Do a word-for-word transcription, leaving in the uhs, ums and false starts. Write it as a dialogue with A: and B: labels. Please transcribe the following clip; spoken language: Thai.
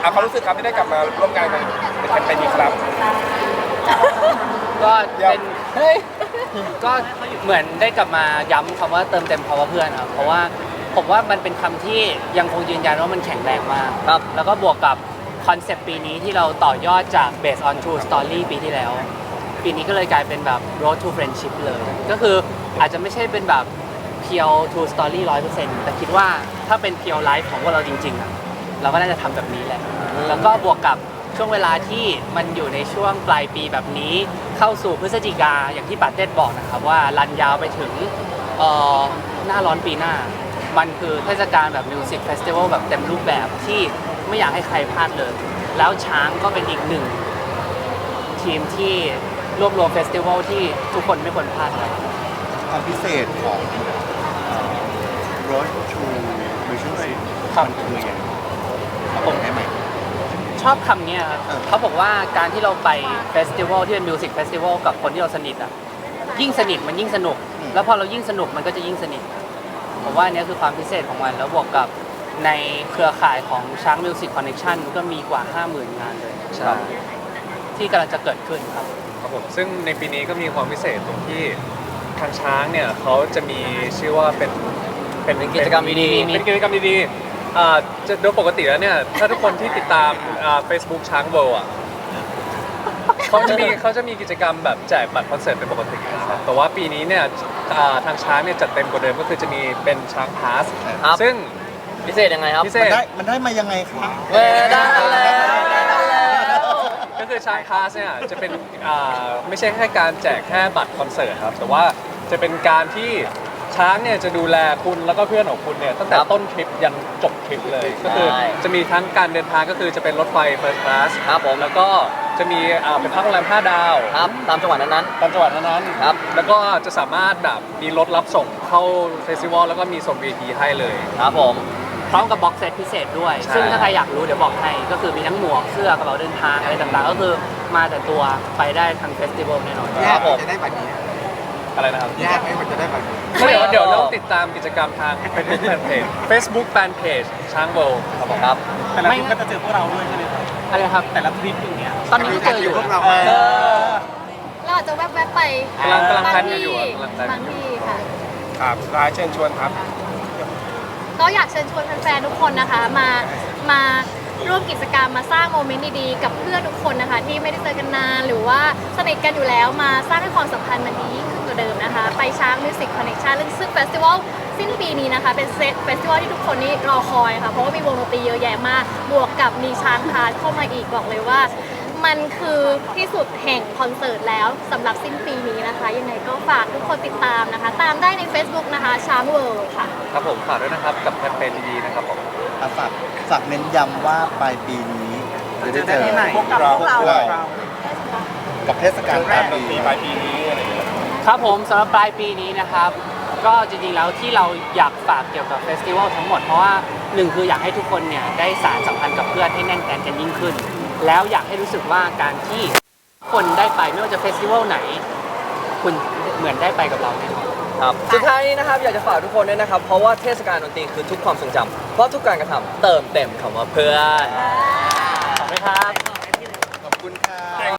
A: เอาความรู้สึกครับที่ได้กลับมาร่วมงานกันในแคมเปญนี้ครับ
B: ก็เป็นเฮ้ยก็เหมือนได้กลับมาย้ำคำว่าเติมเต็มเพราะว่าเพื่อนครับเพราะว่าผมว่ามันเป็นคำที่ยังคงยืนยันว่ามันแข็งแรงมากครับแล้วก็บวกกับคอนเซปต์ปีนี้ที่เราต่อยอดจาก based on true story ปีที่แล้ว ปีนี้ก็เลยกลายเป็นแบบ road to friendship เลย ก็คืออาจจะไม่ใช่เป็นแบบเพียว true story ร้อยเปอร์เซ็นต์แต่คิดว่าถ้าเป็นเพียวไลฟ์ของพวกเราจริงๆอ่ะเราก็น่าจะทำแบบนี้แหละแล้วก็บวกกับช่วงเวลาที่มันอยู่ในช่วงปลายปีแบบนี้เข้าสู่พฤศจิกาอย่างที่ปาเต้บอกนะครับว่ารันยาวไปถึงหน้าร้อนปีหน้ามันคือเทศกาลแบบมิวสิกเฟสติวัลแบบเต็มรูปแบบที่ไม่อยากให้ใครพลาดเลยแล้วช้างก็เป็นอีกหนึ่งทีมที่รวบรวมเฟสติวัลที่ทุกคนไม่ควรพลาดครับ
C: ความพิเศษของ Road to Relationship
B: ครับ
C: มันคือยังไงผมได้ไหม
B: ชอบคำนี้ครับเขาบอกว่าการที่เราไปเฟสติวัลที่เป็นมิวสิกเฟสติวัลกับคนที่เราสนิทอ่ะยิ่งสนิทมันยิ่งสนุกแล้วพอเรายิ่งสนุกมันก็จะยิ่งสนิทผมว่าอันนี้คือความพิเศษของมันแล้วบวกกับในเครือข่ายของช้างมิวสิกคอนเนคชั่นก็มีกว่า ห้าหมื่น งานเลยใช่ที่กำลังจะเกิดขึ้นครับ
D: ครับผมซึ่งในปีนี้ก็มีความพิเศษตรงที่ทางช้างเนี่ยเขาจะมีชื่อว่าเป็น
B: เป็นกิจกรรมดี
D: ๆเป็นกิจกรรมดีๆอ่าจะโดยปกติแล้วเนี่ยถ้าทุกคนที่ติดตามอ่า Facebook ช้างเวิลด์อ่ะเขาจะมีเขาจะมีกิจกรรมแบบแจกบัตรคอนเสิร์ตเป็นปกตินะครับแต่ว่าปีนี้เนี่ยอ่าทางช้างเนี่ยจัดเต็มกว่าเดิมก็คือจะมีเป็นช้างพาสซึ่ง
B: พิเศษยังไงครับ
D: พิเศษ
C: มันได้มันได้มายังไงครับ
B: เออได้แล้ว
D: ก็คือช้างพาสเนี่ยจะเป็นอ่าไม่ใช่แค่การแจกแค่บัตรคอนเสิร์ตครับแต่ว่าจะเป็นการที่ช้างเนี่ยจะดูแลคุณแล้วก็เพื่อนของคุณเนี่ยตั้งแต่ต้นทริปยันจบทริปเลยก็คือจะมีทั้งการเดินทางก็คือจะเป็นรถไฟ First Class
B: ครับผม
D: แล้วก็จะมีอ่าเป็นพักโรงแรมห้าดาว
B: ครับตามจังหวัดนั้น
D: ๆตามจังหวัดนั้น
B: ๆครับ
D: แล้วก็จะสามารถแบบมีรถรับส่งเข้าเฟสติวัลแล้วก็มีส่ง วี ไอ พี ให้เลย
B: ครับผมพร้อมกับบ็อกเซตพิเศษด้วยซึ่งถ้าใครอยากรู้เดี๋ยวบอกให้ก็คือมีทั้งหมวกเสื้อกระเป๋าเดินทางอะไรต่างๆก็คือมาแต่ตัวไปได้ทางเฟสติวัลแน่นอน
A: ครับผมจะได้แบบนี้
D: อะไรนะครับ
A: ยากไหมมันจะได้แบบนี้
D: เดี๋ยวเดี๋ยวต้องติดตามกิจกรรมทาง Facebook Fanpage Facebook Fanpage ช้างเวิลด์ครับผม
B: ครับ
A: แต่ละทริปก็จะเจอพวกเราด้วยใช่ไหมครับ
B: อะไรครับ
A: แต่ละทริปอย่างเงี้ย
B: ตอนนี้ก็เจออยู่
A: พวกเรา
E: เราอาจจะแวบๆไป
D: กำลังกำลังแพลนกันอยู่
E: บางที่ค่ะ
A: ครับร้ายเชิญชวนครับ
E: ก็อยากเชิญชวนแฟนๆทุกคนนะคะมามาร่วมกิจกรรมมาสร้างโมเมนต์ดีๆกับเพื่อนทุกคนนะคะที่ไม่ได้เจอกันนานหรือว่าสนิทกันอยู่แล้วมาสร้างให้ความสัมพันธ์มันดียิ่งขึ้นกว่าเดิมนะคะไปช้างมิวสิกคอนเนคชั่นซึ่งเฟสติวัลสิ้นปีนี้นะคะเป็นเฟสติวัลที่ทุกคนนี่รอคอยค่ะเพราะว่ามีวงดนตรีเยอะแยะมากบวกกับมีช้างพาเข้ามาอีกบอกเลยว่ามันคือที่สุดแห่งคอนเสิร์ตแล้วสำหรับสิ้นปีนี้นะคะยังไงก็ฝากทุกคนติดตามนะคะตามได้ใน Facebook นะคะช้างเวิลด์ค่ะ
D: ครับผมฝากด้วยนะครับกับแคมเปญดีๆนะครับผม
C: ฝากฝากเน้นย้ำว่าปลายปีนี้จะได้เจอ
A: พวกเราพวกเรา
C: กับเทศกาลปลายปี
A: ปลายปีนี้อะไรอย่างเงี้ย
B: ครับผมสำหรับปลายปีนี้นะครับก็จริงๆแล้วที่เราอยากฝากเกี่ยวกับเฟสติวัลทั้งหมดเพราะว่าหนึ่งคืออยากให้ทุกคนเนี่ยได้สานสัมพันธ์กับเพื่อนให้แน่นแฟนกันยิ่งขึ้นแล้วอยากให้รู้สึกว่าการที่คนได้ไปไม่ว่าจะเฟสติวัลไหนคุณเหมือนได้ไปกับเราแน่นอน
F: ครับสุดท้ายนี้นะครับอยากจะฝากทุกคนด้วยนะครับเพราะว่าเทศกาลดนตรีคือทุกความทรงจำเพราะทุกการกระทำเติมเต็มคำว่าเพื่อน
B: ขอบคุณครับ